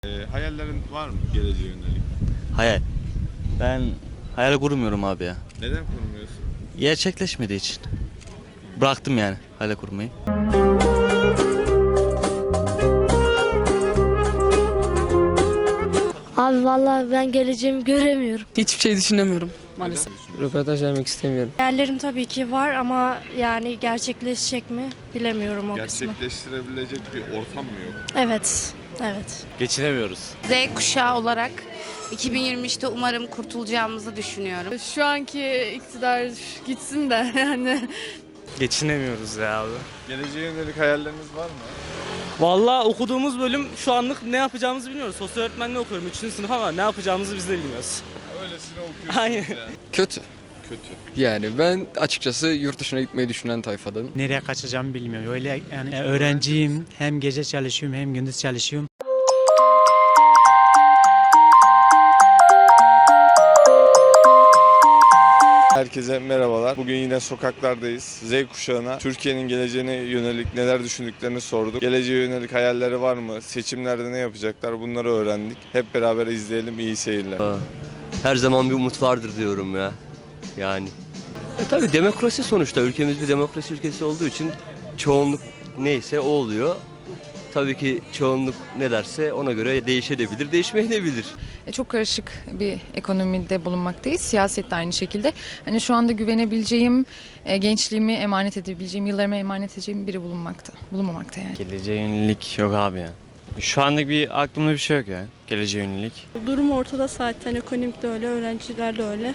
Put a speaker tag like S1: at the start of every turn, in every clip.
S1: Hayallerin var mı geleceğe yönelik?
S2: Hayal. Ben hayal kurmuyorum abi ya.
S1: Neden kurmuyorsun?
S2: Gerçekleşmediği için. Bıraktım yani hayal kurmayı.
S3: Abi vallahi ben geleceğimi göremiyorum.
S4: Hiçbir şey düşünemiyorum maalesef.
S5: Röportaj vermek istemiyorum.
S3: Hayallerim tabii ki var ama yani gerçekleşecek mi bilemiyorum o kısmı.
S1: Gerçekleştirebilecek bir ortam mı yok?
S3: Evet, evet.
S2: Geçinemiyoruz.
S6: Z kuşağı olarak 2023'te umarım kurtulacağımızı düşünüyorum.
S7: Şu anki iktidar gitsin de yani.
S8: Geçinemiyoruz ya abi.
S1: Geleceğe yönelik hayalleriniz var mı?
S8: Vallahi okuduğumuz bölüm şu anlık ne yapacağımızı bilmiyoruz. Sosyal öğretmenliği okuyorum 3. sınıf ama ne yapacağımızı biz de bilmiyoruz.
S1: Öylesine okuyorsunuz
S8: Aynen.
S1: yani.
S5: Kötü.
S1: Kötü.
S5: Yani ben açıkçası yurt dışına gitmeyi düşünen tayfadanım.
S9: Nereye kaçacağımı bilmiyorum. Öyle yani öğrenciyim. Hem gece çalışıyorum hem gündüz çalışıyorum.
S1: Herkese merhabalar. Bugün yine sokaklardayız. Z kuşağına Türkiye'nin geleceğine yönelik neler düşündüklerini sorduk. Geleceğe yönelik hayalleri var mı? Seçimlerde ne yapacaklar? Bunları öğrendik. Hep beraber izleyelim. İyi seyirler.
S10: Her zaman bir umut vardır diyorum ya. Yani. Tabii demokrasi sonuçta. Ülkemiz bir demokrasi ülkesi olduğu için çoğunluk neyse o oluyor. Tabii ki çoğunluk ne derse ona göre değişebilir, değişmeyebilir.
S4: Çok karışık bir ekonomide bulunmaktayız. Siyaset de aynı şekilde. Hani şu anda güvenebileceğim, gençliğimi emanet edebileceğim, yıllarımı emanet edeceğim biri bulunmamakta yani.
S8: Geleceğe yönelik yok abi ya. Şu anlık bir aklımda bir şey yok ya. Geleceğe yönelik.
S7: Durum ortada zaten, ekonomik de öyle, öğrenciler de öyle.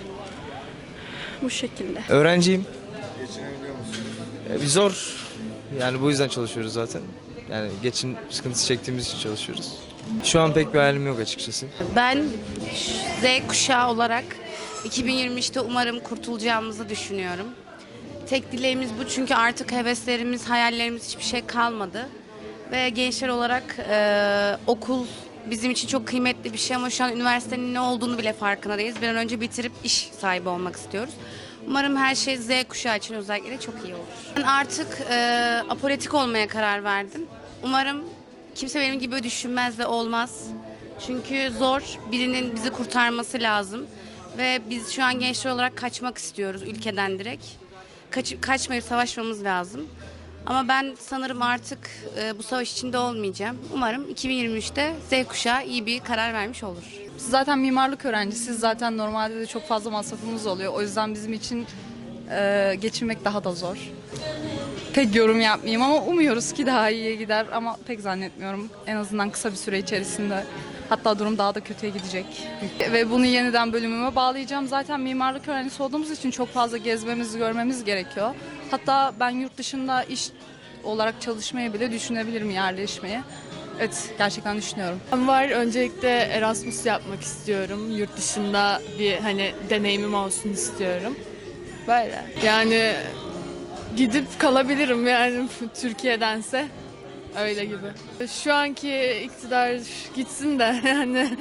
S7: Bu şekilde.
S11: Öğrenciyim.
S1: Geçinebiliyor musun?
S11: Zor. Yani bu yüzden çalışıyoruz zaten. Yani geçim sıkıntısı çektiğimiz için çalışıyoruz. Şu an pek bir hayalim yok açıkçası.
S6: Ben Z kuşağı olarak 2023'te umarım kurtulacağımızı düşünüyorum. Tek dileğimiz bu, çünkü artık heveslerimiz, hayallerimiz hiçbir şey kalmadı. Ve gençler olarak okul bizim için çok kıymetli bir şey ama şu an üniversitenin ne olduğunu bile farkında değiliz. Bir an önce bitirip iş sahibi olmak istiyoruz. Umarım her şey Z kuşağı için özellikle çok iyi olur. Ben artık apolitik olmaya karar verdim. Umarım kimse benim gibi düşünmez ve olmaz. Çünkü zor, birinin bizi kurtarması lazım. Ve biz şu an gençler olarak kaçmak istiyoruz ülkeden direkt. Kaçmayıp savaşmamız lazım. Ama ben sanırım artık bu savaş içinde olmayacağım. Umarım 2023'te Z kuşağı iyi bir karar vermiş olur.
S4: Biz zaten mimarlık öğrencisiyiz. Zaten normalde de çok fazla masrafımız oluyor. O yüzden bizim için geçinmek daha da zor. Pek yorum yapmayayım ama umuyoruz ki daha iyiye gider ama pek zannetmiyorum. En azından kısa bir süre içerisinde. Hatta durum daha da kötüye gidecek. Ve bunu yeniden bölümüme bağlayacağım. Zaten mimarlık öğrencisi olduğumuz için çok fazla gezmemiz, görmemiz gerekiyor. Hatta ben yurt dışında iş olarak çalışmayı bile düşünebilirim, yerleşmeyi. Evet, gerçekten düşünüyorum.
S7: Var, öncelikle Erasmus yapmak istiyorum. Yurt dışında bir deneyimim olsun istiyorum. Böyle. Yani gidip kalabilirim yani Türkiye'dense. Öyle gibi. Şu anki iktidar gitsin de yani.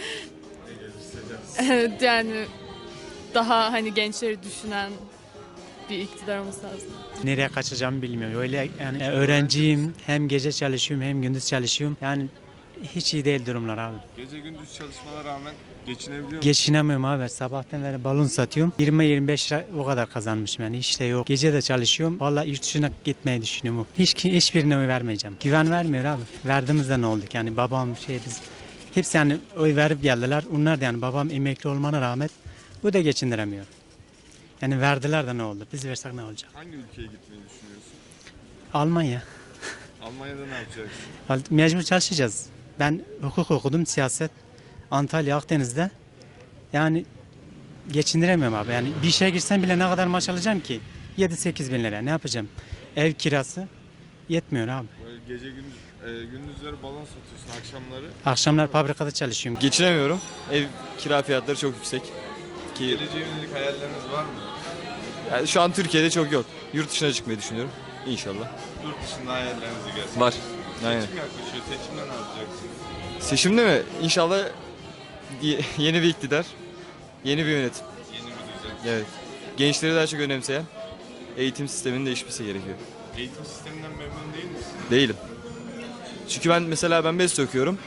S7: Evet, yani daha gençleri düşünen bir iktidar olması lazım.
S9: Nereye kaçacağımı bilmiyorum. Öyle yani öğrenciyim. Hem gece çalışıyorum hem gündüz çalışıyorum. Yani hiç iyi değil durumlar abi.
S1: Gece gündüz çalışmalara rağmen geçinebiliyor musun?
S9: Geçinemiyorum abi. Sabahtan beri balon satıyorum. 20-25 lira o kadar kazanmışım yani. Hiç de yok. Gece de çalışıyorum. Vallahi yurt dışına gitmeyi düşünüyorum. Hiçbirine oy vermeyeceğim. Güven vermiyor abi. Verdiğimizde ne olduk yani babam biz hepsi yani oy verip geldiler. Onlar da yani babam emekli olmana rağmen bu da geçindiremiyor. Yani verdiler de ne oldu? Biz versek ne olacak?
S1: Hangi ülkeye gitmeyi düşünüyorsun?
S9: Almanya.
S1: Almanya'da ne yapacaksın?
S9: Mecbur çalışacağız. Ben hukuk okudum, siyaset. Antalya, Akdeniz'de. Yani geçindiremiyorum abi. Yani bir işe girsem bile ne kadar maaş alacağım ki? 7-8 bin lira. Ne yapacağım? Ev kirası yetmiyor abi.
S1: Böyle gece gündüzleri balon satıyorsun, akşamları.
S9: Akşamlar fabrikada çalışıyorum.
S11: Geçinemiyorum. Ev kira fiyatları çok yüksek.
S1: Geleceğe yönelik hayalleriniz var mı?
S11: Yani şu an Türkiye'de çok yok. Yurt dışına çıkmayı düşünüyorum. İnşallah.
S1: Yurt dışında hayallerinizi gerçekleştirin.
S11: Var. Aynen.
S1: Seçim yaklaşıyor. Seçimde ne yapacaksın?
S11: Seçimde mi? İnşallah yeni bir iktidar, yeni bir yönetim.
S1: Yeni bir düzen.
S11: Evet. Gençleri daha çok önemseyen eğitim sisteminin değişmesi gerekiyor.
S1: Eğitim sisteminden memnun değil misin?
S11: Değilim. Çünkü ben mesela BES'te okuyorum.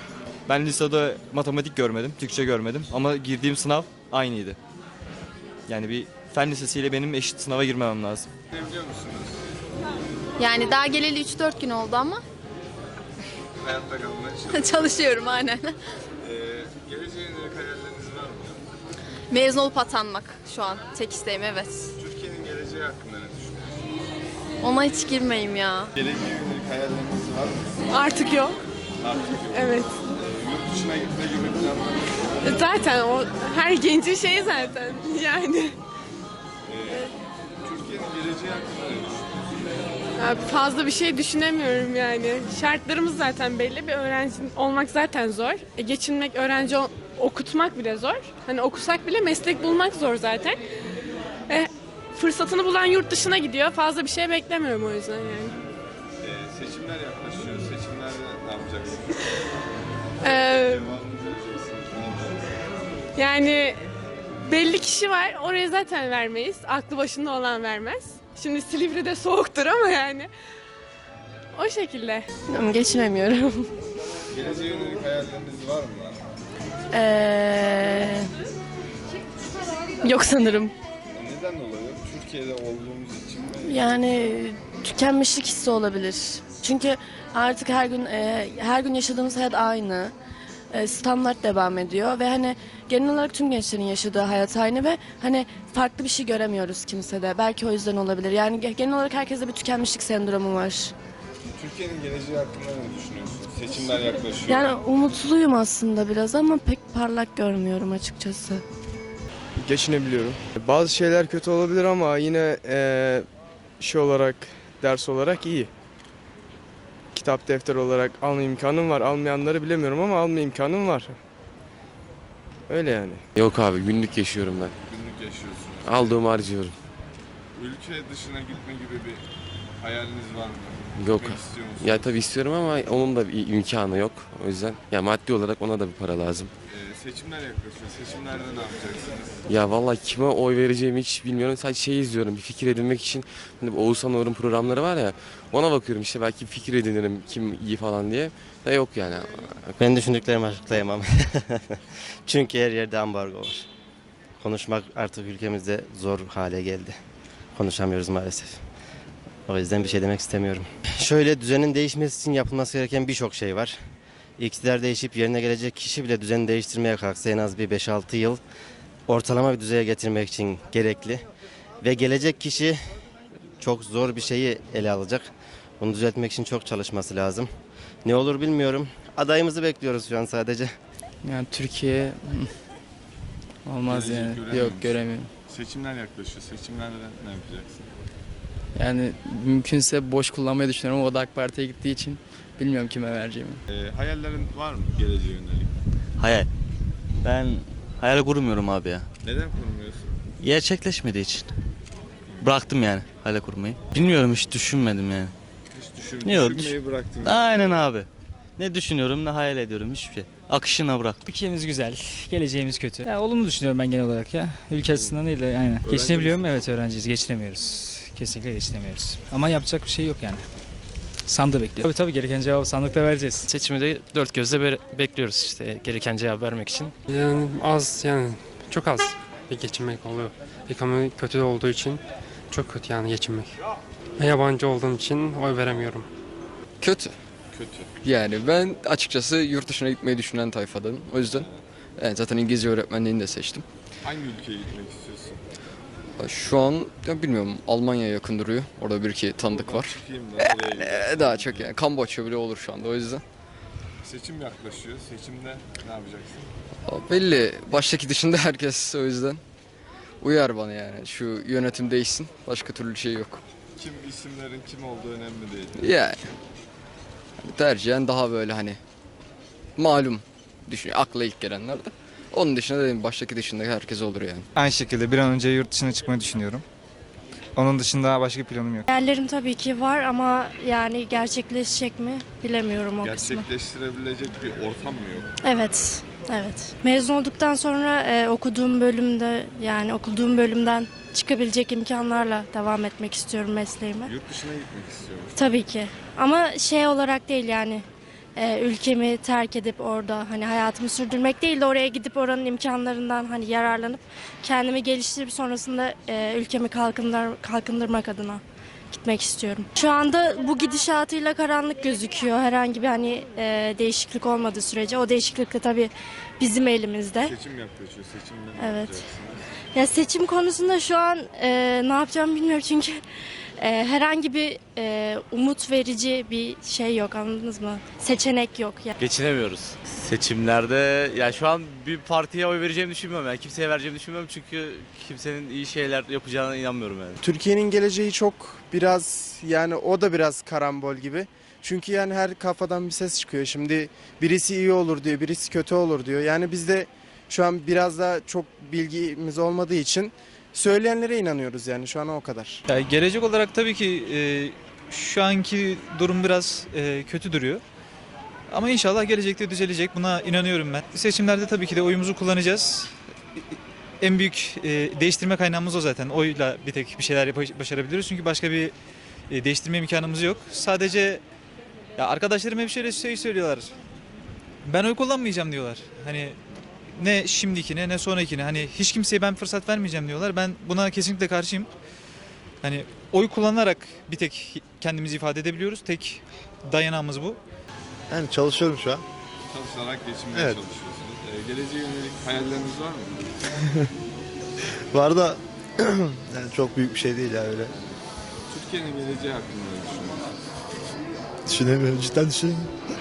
S11: Ben lisede matematik görmedim, Türkçe görmedim ama girdiğim sınav aynıydı. Yani bir fen lisesiyle benim eşit sınava girmemem lazım.
S1: Ne biliyor musunuz?
S7: Yani daha geleli 3-4 gün oldu ama
S1: Hayatta kalmaya çalışıyorsunuz.
S7: çalışıyorum aynen.
S1: Geleceğe yönelik hayalleriniz var mı?
S7: Mezun olup atanmak şu an tek isteğim, evet.
S1: Türkiye'nin geleceği hakkında ne düşünüyorsunuz?
S7: Ona hiç girmeyeyim ya.
S1: Geleceğe yönelik hayalleriniz var mı?
S7: Artık yok.
S1: Artık yok.
S7: Evet.
S1: Yurt dışına gitme gibi planlarınız.
S7: Zaten o her gencin şeyi zaten yani.
S1: Türkiye'nin geleceği hakkında ne düşünüyorsunuz?
S7: Fazla bir şey düşünemiyorum yani. Şartlarımız zaten belli. Bir öğrenci olmak zaten zor. Geçinmek, okutmak bile zor. Hani okusak bile meslek bulmak zor zaten. Fırsatını bulan yurt dışına gidiyor. Fazla bir şey beklemiyorum o yüzden yani.
S1: Seçimler yaklaşıyor. Seçimlerde ne yapacaksınız?
S7: Ee,
S1: Cevabını vereceksiniz. Ne yapacaksınız?
S7: Yani belli kişi var. Oraya zaten vermeyiz. Aklı başında olan vermez. Şimdi Silivri'de soğuktur ama yani. O şekilde. Geçinemiyorum.
S1: Geleceğe yönelik hayalleriniz var mı?
S7: Yok sanırım.
S1: Neden dolayı? Türkiye'de olduğumuz için mi?
S7: Yani tükenmişlik hissi olabilir. Çünkü artık her gün yaşadığımız hayat aynı. Standart devam ediyor ve hani genel olarak tüm gençlerin yaşadığı hayat aynı ve hani farklı bir şey göremiyoruz kimsede. Belki o yüzden olabilir. Yani genel olarak herkeste bir tükenmişlik sendromu var.
S1: Türkiye'nin geleceği hakkında ne düşünüyorsunuz? Seçimler yaklaşıyor.
S7: Yani umutluyum aslında biraz ama pek parlak görmüyorum açıkçası.
S11: Geçinebiliyorum. Bazı şeyler kötü olabilir ama yine şey olarak, ders olarak iyi. Kitap, defter olarak alma imkanım var. Almayanları bilemiyorum ama alma imkanım var. Öyle yani.
S10: Yok abi günlük yaşıyorum ben.
S1: Günlük yaşıyorsunuz.
S10: Aldığımı harcıyorum.
S1: Ülke dışına gitme gibi bir hayaliniz var mı?
S10: Yok.
S1: Gitmek istiyor musunuz?
S10: Ya tabii istiyorum ama onun da bir imkanı yok. O yüzden ya maddi olarak ona da bir para lazım.
S1: Seçimler yaklaşıyor. Seçimlerde ne yapacaksınız?
S10: Ya vallahi kime oy vereceğimi hiç bilmiyorum. Sadece şey izliyorum bir fikir edinmek için. Hani bu Oğuzhan Uğur'un programları var ya. Ona bakıyorum işte belki fikir edinirim kim iyi falan diye. Da yok yani.
S2: Ben düşündüklerimi açıklayamam. Çünkü her yerde ambargo var. Konuşmak artık ülkemizde zor hale geldi. Konuşamıyoruz maalesef. O yüzden bir şey demek istemiyorum. Şöyle düzenin değişmesi için yapılması gereken birçok şey var. İktidar değişip yerine gelecek kişi bile düzeni değiştirmeye kalksa en az bir 5-6 yıl ortalama bir düzeye getirmek için gerekli. Ve gelecek kişi çok zor bir şeyi ele alacak. Bunu düzeltmek için çok çalışması lazım. Ne olur bilmiyorum. Adayımızı bekliyoruz şu an sadece.
S11: Yani Türkiye olmaz
S1: Gelecek
S11: yani.
S1: göremiyor
S11: Yok
S1: musun?
S11: göremiyorum.
S1: Seçimler yaklaşıyor. Seçimlerde ne yapacaksın?
S11: Yani mümkünse boş kullanmayı düşünüyorum. O da AK Parti'ye gittiği için bilmiyorum kime vereceğimi.
S1: Hayallerin var mı geleceğe yönelik?
S2: Hayal. Ben hayal kurmuyorum abi ya.
S1: Neden kurmuyorsun?
S2: Gerçekleşmediği için. Bıraktım yani hayal kurmayı. Bilmiyorum hiç düşünmedim yani.
S1: Hiç
S2: Düşünmeyi
S1: bıraktın.
S2: Aynen abi. Ne düşünüyorum ne hayal ediyorum hiçbir şey. Akışına bıraktım.
S9: Ülkemiz güzel, geleceğimiz kötü. Ya, olumlu düşünüyorum ben genel olarak ya. Ülke açısından değil de aynen. Geçinebiliyorum, evet öğrenciyiz, geçinemiyoruz. Kesinlikle geçinemiyoruz. Ama yapacak bir şey yok yani. Sandığı bekliyor. Tabii gereken cevabı sandıkta vereceğiz.
S8: Seçimi de dört gözle bekliyoruz işte gereken cevap vermek için.
S11: Yani az yani çok az bir geçinmek oluyor. Ekonomi kötü olduğu için çok kötü yani geçinmek. Ve yabancı olduğum için oy veremiyorum.
S5: Kötü.
S1: Kötü.
S5: Yani ben açıkçası yurt dışına gitmeyi düşünen tayfadanım. O yüzden zaten İngilizce öğretmenliğini de seçtim.
S1: Hangi ülkeye gitmek istiyorsun?
S5: Şu an ya bilmiyorum Almanya yakın duruyor. Orada bir iki tanıdık var.
S1: Çıkayım da oraya gideyim.
S5: Daha çok yani Kamboçya bile olur şu anda o yüzden.
S1: Seçim yaklaşıyor. Seçimde ne yapacaksın?
S5: Belli. Baştaki dışında herkes o yüzden. Uyar bana yani. Şu yönetim değişsin. Başka türlü şey yok.
S1: İsimlerin kim olduğu önemli değil.
S5: Yani. Tercihen daha böyle hani malum düşünüyor. Akla ilk gelenler de. Onun dışında dedim baştaki dışında herkes olur yani.
S11: Aynı şekilde bir an önce yurt dışına çıkmayı düşünüyorum. Onun dışında başka planım yok.
S3: Hayallerim tabii ki var ama yani gerçekleşecek mi bilemiyorum o kısmı.
S1: Gerçekleştirebilecek bir ortam mı yok?
S3: Evet, evet. Mezun olduktan sonra okuduğum bölümden çıkabilecek imkanlarla devam etmek istiyorum mesleğime.
S1: Yurt dışına gitmek istiyorum.
S3: Tabii ki. Ama şey olarak değil yani ülkemi terk edip orada hani hayatımı sürdürmek değil de oraya gidip oranın imkanlarından hani yararlanıp kendimi geliştirip sonrasında ülkemi kalkındırmak adına gitmek istiyorum. Şu anda bu gidişatıyla karanlık gözüküyor. Herhangi bir hani değişiklik olmadığı sürece. O değişiklik de tabii bizim elimizde.
S1: Seçim yaklaşıyor. Seçimde ne
S3: Evet.
S1: yapacaksınız?
S3: Ya seçim konusunda şu an ne yapacağımı bilmiyorum çünkü herhangi bir umut verici bir şey yok, anladınız mı? Seçenek yok. Yani.
S12: Geçinemiyoruz. Seçimlerde ya şu an bir partiye oy vereceğimi düşünmüyorum. Yani kimseye vereceğimi düşünmüyorum çünkü kimsenin iyi şeyler yapacağına inanmıyorum yani.
S13: Türkiye'nin geleceği çok biraz yani o da biraz karambol gibi. Çünkü yani her kafadan bir ses çıkıyor. Şimdi birisi iyi olur diyor, birisi kötü olur diyor. Yani biz de şu an biraz da çok bilgimiz olmadığı için söyleyenlere inanıyoruz yani şu an o kadar.
S14: Yani gelecek olarak tabii ki şu anki durum biraz kötü duruyor. Ama inşallah gelecekte düzelecek. Buna inanıyorum ben. Seçimlerde tabii ki de oyumuzu kullanacağız. En büyük değiştirme kaynağımız o zaten. Oyla bir tek bir şeyler başarabiliyoruz. Çünkü başka bir değiştirme imkanımız yok. Sadece ya arkadaşlarım hep şöyle şey söylüyorlar. Ben oy kullanmayacağım diyorlar. Hani ne şimdikine ne sonrakine. Hani hiç kimseye ben fırsat vermeyeceğim diyorlar. Ben buna kesinlikle karşıyım. Hani oy kullanarak bir tek kendimizi ifade edebiliyoruz. Tek dayanağımız bu.
S15: Yani çalışıyorum şu an.
S1: Çalışarak geçinmeye
S15: Evet.
S1: çalışıyorsunuz. Geleceğe yönelik hayalleriniz var mı?
S15: Var da yani çok büyük bir şey değil ya öyle.
S1: Türkiye'nin geleceği hakkında ne düşünüyorsunuz?
S15: Düşünemiyorum, cidden düşünemiyorum.